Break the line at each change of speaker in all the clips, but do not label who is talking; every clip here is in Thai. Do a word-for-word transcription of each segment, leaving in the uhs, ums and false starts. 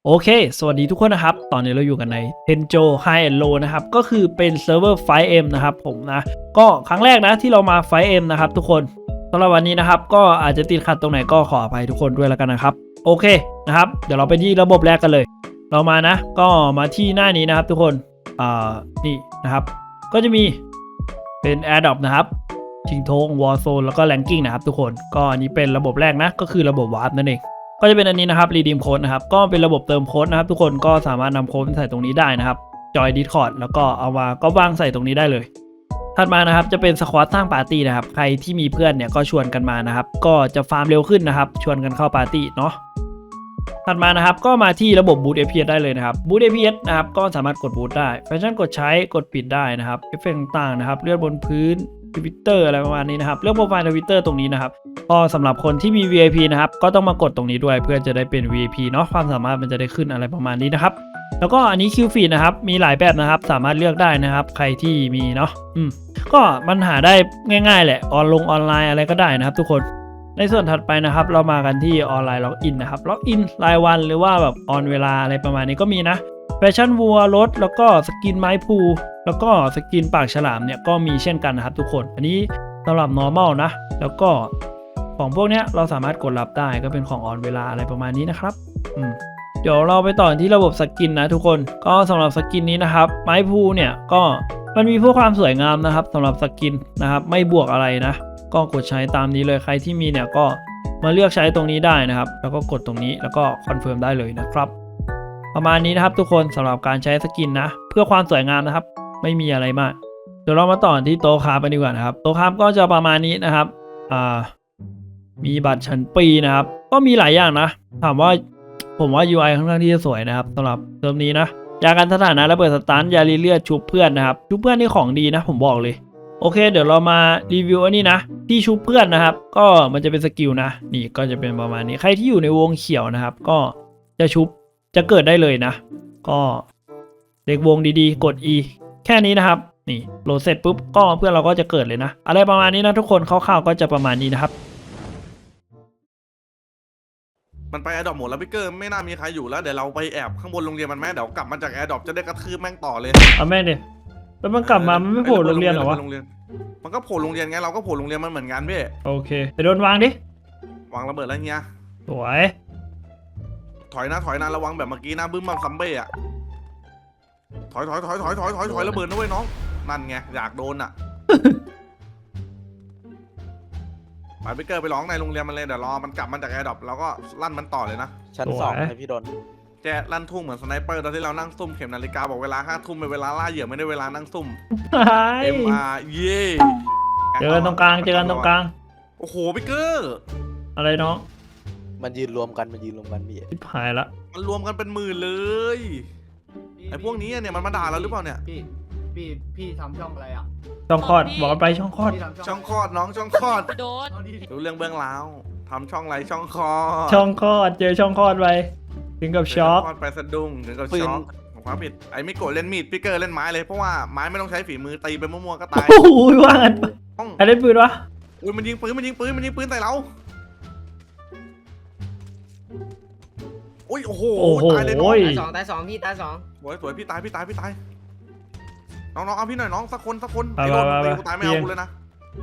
โอเคสวัสดีทุกคนนะครับตอนนี้เราอยู่กันใน Tenjo High and Low นะครับก็คือเป็นเซิร์ฟเวอร์ ไฟว์ เอ็ม นะครับผมนะก็ครั้งแรกนะที่เรามา ไฟว์ เอ็ม นะครับทุกคนสำหรับวันนี้นะครับก็อาจจะติดขัดตรงไหนก็ขออภัยทุกคนด้วยแล้วกันนะครับโอเคนะครับเดี๋ยวเราไปที่ระบบแรกกันเลยเรามานะก็มาที่หน้านี้นะครับทุกคนอ่านี่นะครับก็จะมีเป็น Airdrop นะครับชิงธง Warzone แล้วก็ Ranking นะครับทุกคนก็อันนี้เป็นระบบแรกนะก็คือระบบ Warp นั่นเองก็จะเป็นอันนี้นะครับ Redeem Code นะครับก็เป็นระบบเติมโค้ดนะครับทุกคนก็สามารถนำโค้ดใส่ตรงนี้ได้นะครับจอย Discord แล้วก็เอามาก็วางใส่ตรงนี้ได้เลยถัดมานะครับจะเป็นสควอตสร้างปาร์ตี้นะครับใครที่มีเพื่อนเนี่ยก็ชวนกันมานะครับก็จะฟาร์มเร็วขึ้นนะครับชวนกันเข้าปาร์ตี้เนาะถัดมานะครับก็มาที่ระบบบูต เอ พี เอส ได้เลยนะครับบูต เอ พี เอส นะครับก็สามารถกดบูตได้แฟชั่นกดใช้กดปิดได้นะครับเอฟเฟกต์ต่างๆนะครับเลื่อนบนพื้นทวิตเตอร์อะไรประมาณนี้นะครับเลือกโปรไฟล์ทวิตเตอร์ตรงนี้นะครับก็สำหรับคนที่มี วี ไอ พี นะครับก็ต้องมากดตรงนี้ด้วยเพื่อจะได้เป็น วี ไอ พี เนาะความสามารถมันจะได้ขึ้นอะไรประมาณนี้นะครับแล้วก็อันนี้คิวฟีดนะครับมีหลายแบบนะครับสามารถเลือกได้นะครับใครที่มีเนาะอืมก็มันหาได้ง่ายๆแหละออนลงออนไลน์อะไรก็ได้นะครับทุกคนในส่วนถัดไปนะครับเรามากันที่ออนไลน์ล็อกอินนะครับล็อกอินรายวันหรือว่าแบบออนเวลาอะไรประมาณนี้ก็มีนะแฟชั่นวัวรถแล้วก็สกินไม้พูแล้วก็สกินปากฉลามเนี่ยก็มีเช่นกันนะครับทุกคนอันนี้สำหรับ normal นะแล้วก็ของพวกเนี้ยเราสามารถกดรับได้ก็เป็นของออนเวลาอะไรประมาณนี้นะครับอืมเดี๋ยวเราไปต่อที่ระบบสกินนะทุกคนก็สำหรับสกินนี้นะครับไม้พูเนี่ยก็มันมีเพื่อความสวยงามนะครับสำหรับสกินนะครับไม่บวกอะไรนะก็กดใช้ตามนี้เลยใครที่มีเนี่ยก็มาเลือกใช้ตรงนี้ได้นะครับแล้วก็กดตรงนี้แล้วก็คอนเฟิร์มได้เลยนะครับประมาณนี้นะครับทุกคนสำหรับการใช้สกินนะเพื่อความสวยงามนะครับไม่มีอะไรมากเดี๋ยวเรามาต่อที่โต๊ะคราฟกันดีกว่านะครับโต๊ะคราฟก็จะประมาณนี้นะครับอ่ามีบัตรชั้นปีนะครับก็มีหลายอย่างนะถามว่าผมว่า ยู ไอ ค่อนข้างที่จะสวยนะครับสำหรับเทอมนี้นะยากันสถานะระเบิดสตันยาลีเลือดชุบเพื่อนนะครับชุบเพื่อนนี่ของดีนะผมบอกเลยโอเคเดี๋ยวเรามารีวิวอันนี้นะที่ชุบเพื่อนนะครับก็มันจะเป็นสกิลนะนี่ก็จะเป็นประมาณนี้ใครที่อยู่ในวงเขียวนะครับก็จะชุบจะเกิดได้เลยนะก็เด็กวงดีๆกด E แค่นี้นะครับนี่โหลดเสร็จปุ๊บก็เพื่อนเราก็จะเกิดเลยนะอะไรประมาณนี้นะทุกคนคร่าวๆก็จะประมาณนี้นะครับ
มันไปแอร์ดรอปหมดแล้วพี่เกอร์ไม่น่ามีใครอยู่แล้วเดี๋ยวเราไปแอบข้างบนโรงเรียนมันแม่เดี๋ยวกลับมาจากแอร์ดรอปจะได้กระทืบแม่งต่อเลย
เอาแม่งดิแล้วมันกลับมามันไม่โผล่โรงเรียนเหรอวะ
มันก็โผล่โรงเรียนไงเราก็โผล่โรงเรียนมันเหมือนกันพี่
โอเคไปโดนวางดิ
วางระเบิดแล้วเงี้ย
สวย
ถอยนะถอยนะระวังแบบเมื่อกี้นะบึ้มบัมซัมเบ้อะถอยถอยถอยถอยถอยถอยถอยระเบิดนะเว้ยน้องนั่นไงอยากโดนอ่ะไปพี่เกอร์ไปร้องในโรงเรียนมันเลยเดี๋ยวรอมันกลับมาจากแอร์ดรอปแล้วก็ลั่นมันต่อเลยนะ
ชั้นสองให้พี่ดน
แกลั่นทุ่งเหมือนสไนเปอร์ตอนที่เรานั่งซุ่มเข็มนาฬิกาบอกเวลาห้าทุ่มเป็นเวลาล่าเหยื่อไม่ได้เวลานั่งซุ่มเอ็มอาร์เย่
เจอกันตรงกลางเจอกันตรงกลาง
โอ้โหพี่เกอร์
อะไรน้อง
มันยืนรวมกันมันยืนรวมกันพี่
ทิพหายละ
มันรวมกันเป็นหมื่นเลยไอ้พวกนี้เนี่ยมันมาด่าเราหรือเปล่าเนี่ย
พี่พี่พี่ทำช่องอะไรอ่ะ
ช่องคลอดบอกไปช่องคลอด
ช่องคลอดน้องช่องคลอด
โดน
รู้เรื่องเบื้องหลังทำช่องไรช่องคลอด
ช่องคลอดเจอช่องคลอดไปถึงกับช็อก
ไปสะดุ้งถึงกับช็อกของความผิดไอ้ไม่โกรธเล่นมีดพี่เกอร์เล่นไม้เลยเพราะว่าไม้ไม่ต้องใช้ฝีมือตีไปมั่วๆก็ตาย
โอ้ยว่างันใครเล่นปืนวะ
อุ้ยมันยิงปืนมันยิงปืนมันยิงปืนใส่เราอุ้ยโอ้โหตายเลยน้อง
ตายสองตายสองพี่ตายสอง
สวยสวยพี่ตายพี่ตายพี่ตายน้องน้องเอาพี่หน่อยน้องสักคนสักคนไอ้โดนตีกูตายไม่เอากูเลยนะ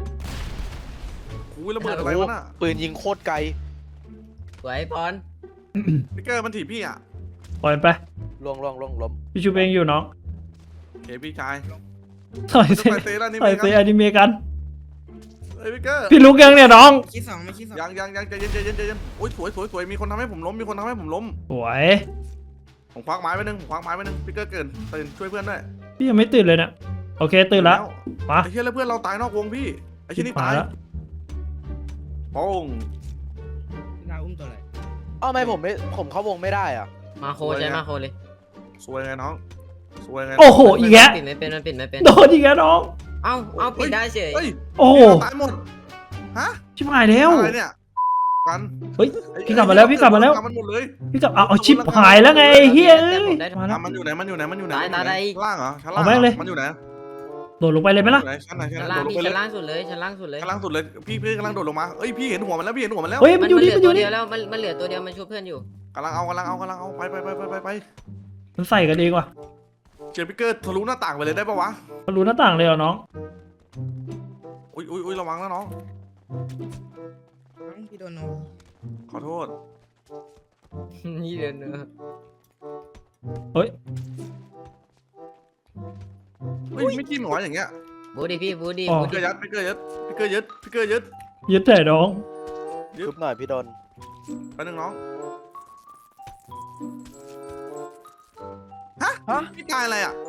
อุ้ยระเบิดอะไรวะน่ะ
ปืนยิงโคตรไกล
สวยพร
พี่เกอร์มันถีบพี่อ่ะ
ปล่อยไป
ล่วงล่วงล่วงล้ม
พี่ชูเองอยู่น้อง
โอเคพี่ชาย
ต่อยเซต่อยเซอนิเมะกัน
เฮ้ยพี่เกอร์
พี่ลุกยังเนี่ยน้อง
คิดสองไม่คิดสอง
ยังยังยังใจเย็นใจเย็นใจเย็นโอ้ยสวยสวยสวยมีคนทำให้ผมล้มมีคนทำให้ผมล้ม
สวย
ผมควักไม้ไปหนึ่งผมควักไม้ไปหนึ่งพี่เกอร์เกินตื่นช่วยเพื่อนด้วย
พี่ยังไม่ตื่นเลยนะโอเคตื่นแล้ว
มาไอ้เชี่ยแล้วเพื่อนเราตายนอกวงพี่ไอ้เชี่ยนี่ตายโป้ง
นาอุ้มตัวอะไร
อ้าวทำไมผมไม่ผมเข้าวงไม่ได้อ่ะ
มาโคใช่มาโคเลย
สวยไงน้องสวยไง
โอ้โหอีกแล้ว
ปิดไม่เป็นมันปิดไม่เป็น
โดนอีกแล้วน้อง
เอ้าเอ้าปิดได้เฉย
โอ้โห
ตายหมดฮะ
ชิบหายแล้ว
อะไรเนี่ยกัน
เฮ้ยพี่กลับมาแล้วพี่กลับมาแล้ว
มันหมดเลย
พี่กลับเอาชิบหายแล้วไงเฮ้ย
มันอยู่ไหนมันอยู่ไหนมันอยู่ไหนล่างเหรอชั้น
ล่างเลย
มันอยู่ไหน
โดดลงไปเลยไหมล่ะ
ชั้นไหนชั้น
ล่างชั้นล่างสุดเลยชั้นล่างสุดเลย
ชั้นล่างสุดเลยพี่พี่กำลังโดดลงมาเอ้ยพี่เห็นหัวมันแล้วพี่เห็นหัวมันแล้ว
เฮ้ยมันอยู่นี่มันอยู่นี่
แล้วมันมันเหลือตัวเดียวมันช่วยเพื่อนอยู่
กำลังเอากำลังเอากำลังเอาไปไปไปไปไปไป
มันใส่กันเองว่ะ
เจอพิกเกอร์ทะลุหน้าต่างไปเลยได้ปะวะ
มันรู้หน้าต่างเลยเหรอน้อง
อุ้ยอุ้ยอุ้ยระวังนะน้อง
พี่โดนโน
ขอโทษ
นี่เดินเนอะ
เฮ้ย
เฮ้ยไม่จิ้มหรออย่างเงี้ย
บูดิพี่บูดิ
อ๋อ
บู
พิกเก
ดิ
อร์ยัดพิกเกอร์ยัดพิกเกอร์ยัดพิกเกอร์ยัด
ยึดแต่น้อง
ทุบหน่อยพี่โดน
ไปหนึ่งน้อง
ฮะ
พี่ตายอะไรอ่ะ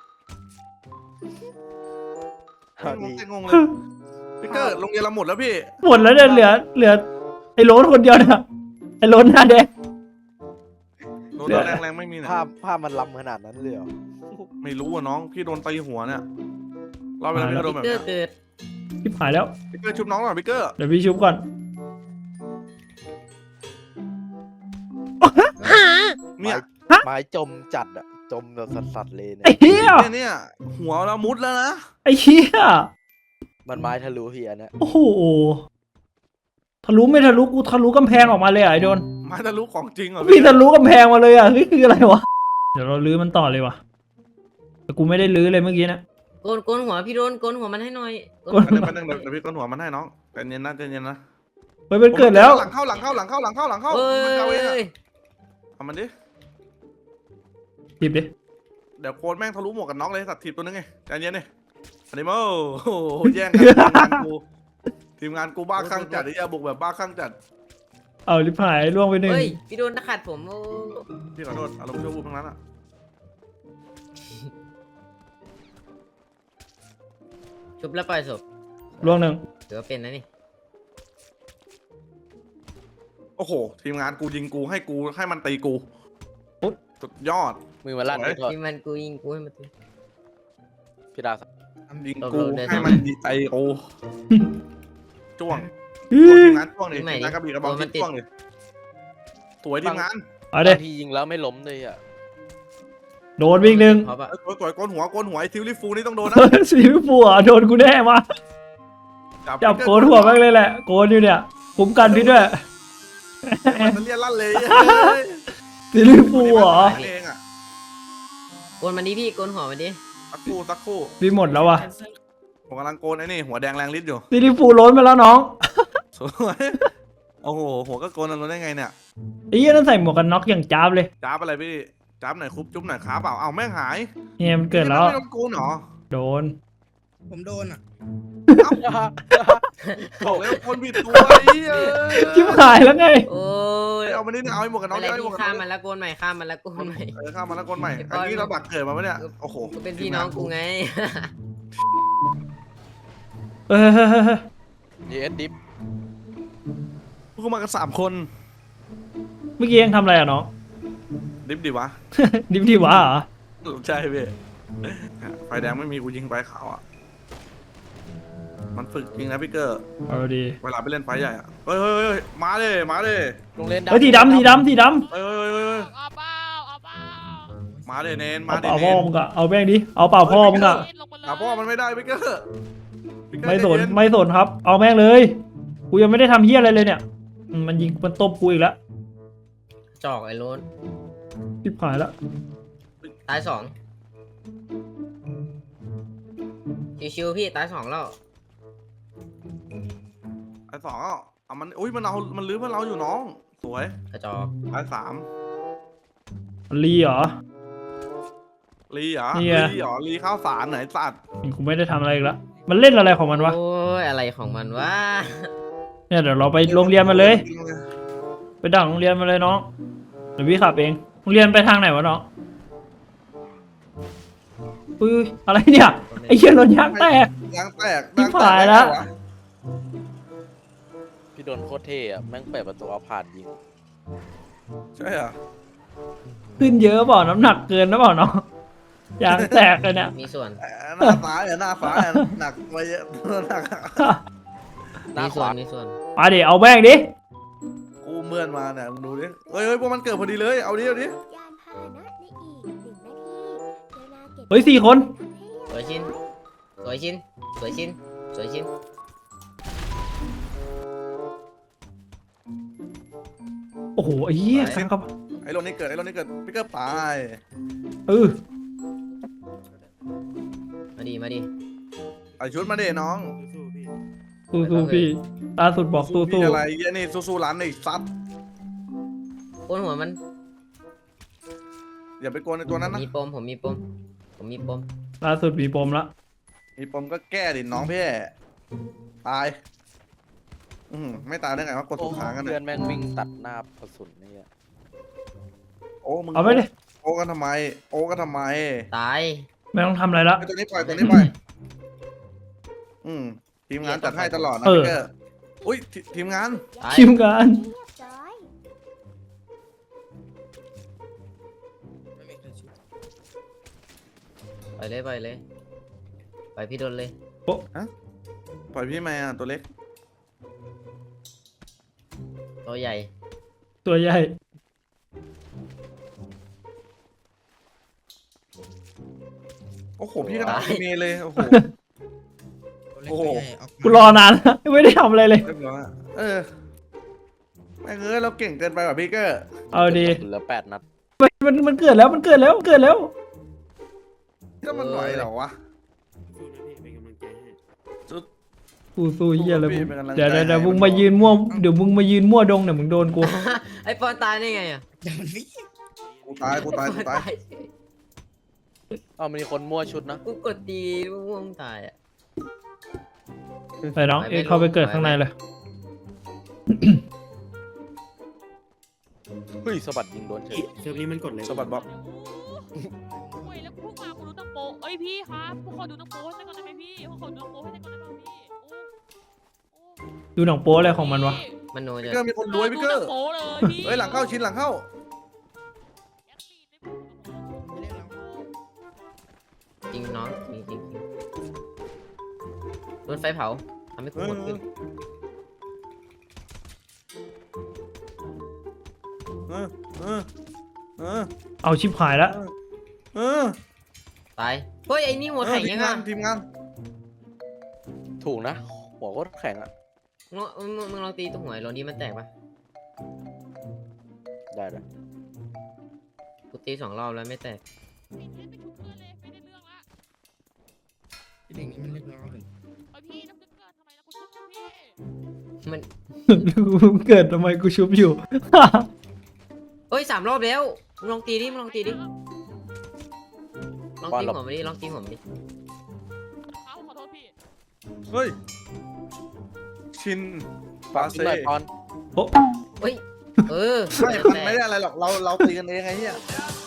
ฮะ
งง
ดี
แต่งงเลยพิกเกอร์โรงเรียนเราหมดแล้วพี่
หมดแล้วเนี่ยเหลือเหลือไอ้โรนคนเดียวเนี่ยไอ้โรนหน้าแดง
โดน
เหลือ
แรงแรงๆไม่มีเนี่ย
ภาพภาพมันล้ำขนาดนั้นเลยเหรอ
ไม่รู้อ่ะน้องพี่โดนตีหัวเนี่ยเราไปแล้วพี่ก็โดนแบบ
เกิ
เนี้
ด
ย
เกิด
ชิบหายแล้ว
พิกเกอร์ชุบน้องหน่อยพิกเกอร์
เดี๋ยวพี่ชุบก่อน
เนี่ย
ไม้จมจัดอะจมแบบสัสๆเลยเนี่
ไอ้
ย
เหี้ย
เนี่ยเนี่ยหัวเรามุดแล้วนะ
ไอ้เหี้ย
มันไม้ทะลุพี่อันเนี้ย
โอ้โหทะลุไม่ทะลุกูทะลุกำแพงออกมาเลยอ่ะไอ้โดน
ไม้ทะลุของจริงเหรอ
พี่ทะลุกำแพงมาเลยอ่ะนี่คืออะไรวะเดี๋ยวเราลื้อมันต่อเลยว่ะแต่กูไม่ได้ลื้อเลยเมื่อกี้นะ
โกนโกนหัวพี่โดนโกนหัวมันให้หน่อยโกน
โกน
ไปหนึ่งไปหนึ่งเดี๋ยวเดี๋ยวพี่ก้นหัวมันให้น้องใจเย็นนะใจเย็นนะ
เฮ้ยมันเกิดแล้ว
หลังเข้าหลังเข้าหลังเข้าหลังเข้าหลังเข้า
เอ้
มันจะเอาเองอะ
ย
เอามันดิ
หยิบดิ
เดี๋ยวโค้ดแม่งทะลุหมวกกันน็อกเลยสัตว์ทีมตัวนึงไงใจเย็นดิอันนี้โม่โอ้โหแย่งกันทีมงานกูทีมงานกูบ้าคลั่งจัดไอ้เหี้ยบุกแบบบ้าคลั่งจัด
เอาลิบหายล่วงไปหนึ่ง
เฮ้ยพี่โดนตะขัดผมโอ้
พี่ขอโทษอารมณ์ชั่ววูบทั้งนั้นอ่ะ
ชุบแล้วปล่อยศพ
ล่วงหนึ่ง
ถือว่าเป็นนะนี่
โอ้โหทีมงานกูยิงกูให้กูให้มันตีกูสุดยอด
มือมันลั่น
สวย
พี่โทษ
ที่มันกูยิงกูให้มันตี
พี่ดาว
ยิง
เรา
กู
เดิน
ให้มันดีใจโอ้จ้วง
อื้
โอ้
อ
ทีมงานจ้วงดิทีมงานกระบี่กระบอกทีมจ้วงดิสวยทีมงาน
เอาเด็
บางทียิงแล้วไม่ล้มเลยอะ
โดนวิ่งหนึ่ง
เพราะว่า
เอ้ยสวยสวยโกนหัวโกนหัวไอ้ทิวลิฟูนี่ต้องโดนนะ
สีฟูอ่ะโดนกูแน่มาจับโกนหัวแม่งเลยแหละโกนอยู่เนี่ยคุ้มกันพี่ด้วย
มันเรียนลั่นเลย
สีฟูเหรอ
เองอ่ะ
โกนมันดิพี่โกนหัวมันดิ
สักครู่สักครู่
พี่หมดแล้วว่ะ
ผมกำลังโกนไอ้นี่หัวแดงแรงฤทธิ์อยู่
สีฟูล้นไปแล้วน้อง
สวยโอ้โหหัวก็โกนอันนั้นได้ไงเนี่ย
ไอ้เหี้ยนั่นใส่หมวกกันน็อกอย่างจ้าบเลย
จ้าบอะไรพี่จ้าบหน่อยคุบจุ๊บหน่อยขาเปล่าเอาแม่งหาย
เนี่ยมันเกิดแล้ว
ไม่โดนโกนเหรอ
โดน
ผมโดนอ่ะ
บอกแล้วคนผิดตัวไอ้เหี้ย
ชิบหายแล้วไง
โอ้ย
เอามานี่เอาไอ้หมวกกันน็อก
อะไร
เอาไอ้หมว
พี่
กกัน
ข้าม
น็
มั
อก
นแล้วโกนใหม่ข้ามมันแล้วโกนใหม่
เออข้ามมาแล้วคนใหม่
ไอ้บ
อั
อน ย
นี้เราบักเกิดมาปะเนี่ยโอ้โห
ก็เป็นพี่น้องกูไง
เออ
เยสดิฟ
พวกมากันสามคน
เมื่อกี้ยังทำอะไรอ่ะน้อง
ดิบดิวะ
ดิบดีวะเหรอ
ใช่พี่ไฟแดงไม่มีกูยิงไฟขาวอ่ะมันฝึกจริงนะพี่เกอร์
เอาดี
เวลาไปเล่นไฟใหญ่อ่ะเฮ้ยเฮ้ยเฮ้ยมาเลยมาเลย
โรงเรียน
เฮ้ยสีดำสีดำสีดำ
เฮ้ยเฮ้ยเฮ้ยเฮ้ย
เอาเปล่าเอาเปล่า
มาเลยเนนมา
เอา
เลย
เปล่า
เน
พ่อน มึงอะเอาแม่งดิเอาเปล่าพ่อมึงอะ
ลงมาเลย
อ่ะพ่อมันไม่ได้พี่เกอร์พี่เกอร์
ไม่สน
ใจเย็
ไม่สนครับ เอาแม่งเลยกูยังไม่ได้ทำเฮี้ยอะไรเลยเนี่ยอืมมันยิงมันตบกูอีกแล้ว
จอกไอ้โรน
ชิบหายแล้ว
ตายสองชิวๆพี่ตายสองแล้ว
ไอ้สองอ่ะเอามันอุ้ยมันเอามันลื้อเพื่อนเราอยู่น้องสวย
กระจอก
ไอ้สาม
ลีเหรอ
ลีเหรอ
นี่ไง
ลีเหรอลีข้าวสารไหนสัตว์
กูไม่ได้ทำอะไรอีกแล้วมันเล่นอะไรของมันวะ
โอ้ยอะไรของมันวะ
เนี่ยเดี๋ยวเราไปโรงเรียนมาเลย ไปดักโรงเรียนมาเลยน้องเดี๋ยวพี่ขับเองโรงเรียนไปทางไหนวะน้องอุ้ยอะไรเนี่ยไอ้เหี้ยรถยางแตก
ยางแตก
ชิบหายแล้ว
พี่โดนโคตรเท่อะแม่งเปิดประตูเอาผ่านยิง
ใช่เหรอ
ขึ้นเยอะเปล่าน้ำหนักเกินนะเปล่าน้องยางแตกเลยเนี่ย
มีส่วน
หน้าฟ้าเนี่ยหน้าฟ้าเนี่ยหนักไปเยอะหนัก
หน้า
มี
ข
ส่วน
วา
มีส่วน
มาดิเอาแม่งดิ
กูเมื่อนมาเนี่ยมึงดูดิเฮ้ยเฮ้ยพวกมันเกิดพอดีเลยเอาดิเอาดิ
ยานพาหนะในอีกหนึ่งนาทีเวลาเก็บ
เฮ้ยสี่คน
สวยชิ้นสวยชิ้นสวยชิ้นสวยชิ้น
โอ้โหไอ้เหี้ย
ไหน
สังกับ
ไอ้โรนี่เกิดไอ้โรนี่เกิดพี่เกอร์ไป
เออ
มาดิมาดิ
ไอชุดมาเด้น้อง
สู้สู้พี่ล่าสุดบอกสู้
พี่
สู้
อะไรเหี้ยนี่สู้ๆร้านไอ้ซัด
โอนหัวมัน
อย่าไปโกนในตัวนั้นนะ
มีปมผมมีปมผมมีปม
ล่าสุดมีปมละ
มีปมก็แก้ดิน้องพี่ตายอืมไม่ตายได้ไงวะกด
โอ้
ถูกขากัน
เพื่
เนี่
อย นแม่งวิ่งตัดหน้ากระสุนนี่อะ
โอ้มึง
เอาไปดิ
โอ้กันทำไม โอ้กันทำไม
ตาย
ไม่ต้องทำอะไรละ
ไอ้ตัวนี้ปล่อยตัวนี้ปล่อยอืมทีมงานจัดให้ตลอดนะ
เออ
พี่เกอร์อุ้ยทีทีมงาน
ตาย
ทีมงาน
เรียบร้อย
ไปเลยไปเลยไปพี่โดนเลย
ปล่อยพี่แม่อะตัวเล็ก
ตัวใหญ่
ตัวใหญ่
โอ้โหพี่ก็ตายเมเลยโอ้โห โอ้โห
กูรอนานแล้ว ไม่ได้ทำอะไรเลย
เรียบร้อยเออแม่งเอ้ยเราเก่งเกินไปว่ะพี่เกอร์
เอาดี
เหลือแปดนัด
มันมันมันเกิดแล้วมันเกิดแล้วเกิดแล้ว
ถ้ามันไหวเหรอวะ
สู้สู้เฮียเลยมึง
เป็นกำลังใจ
เดี๋ยวเดี๋ยวเดี๋ยว
ให้
มึง
มัน
มายืนมั่วเดี๋ยวมึงมายืนมั่วดงเดี๋ยวมึงโดนกู
ไอปอนตายได้ไงอ่ะ
กูตายกูตายกูตาย
เอ้ามีคนมั่วชุดนะ
กูกดตีม่วงตายอ่ะ
ไปน้องเอ็กซ์เข้าไปเกิดข้างในเลย
เฮ้ยสะบัดยิงโดนเฉย
เซิร์ฟนี้มันกดเลย
สะบัดบ๊อบ
โอ้ยแล้วพวกมาคุณดูตังโปเอ้ยพี่ครับพวกเขาดูตังโปให้ได้ก่อนได้ไหมพี่พวกเขาดูตังโปให้ได้ก่อนได้ไหมพี่โอ้โอ้
ดูหนังโป๊อะไรของมันวะ
มันโน
พี่
จะ
เกอร์มีคนรวยพี่เกอร์
ดูตังโปเลยพี่
เฮ้ยหลังเข้าชิ้นหลังเข้า
แอคทีฟในพวกเขา
จริงน้องจริงจริงจริงโดนไฟเผาทำให้กูหมดขึ้น
เออเออเออ
เอาชิบหายแล้ว
เออ
ตายเฮ้ยไอ้นี่หัวแข็ง
ที
ยั
ม
ง
งา
อ่ะ
นทีมงาน
ถูกนะ หัวก็แข็งอะ
มึงมึงมึงลองตีตัวหัวไอ้โรนดี้มันแตกปะ
ได้เลย
กูตีสองรอบแล้วไม่แตก
ไม่ได้ไปชุบเพื่อนเลยไม่ได้เรื่องละ
เด็กนี้มันเรียบร้อย
เอ้ยพี่น้ำดึกเกินทำไมนะกูชุบอยู่พี่
มัน
มึงเกิดทำไมกูชุบอยู่
เฮ้ยสามรอบแล้วมึงลองตีดิมึงลองตีดิลองตีหัวมันดิลองตีหัวมันดิ
เขาขอโทษพี่
เฮ้ยชินปา
กิน
เซ่
หน่อยปอน
เฮ้ยเออ
ไม่มันไม่ได้อะไรหรอกเราเราตีกันเองไงเฮีย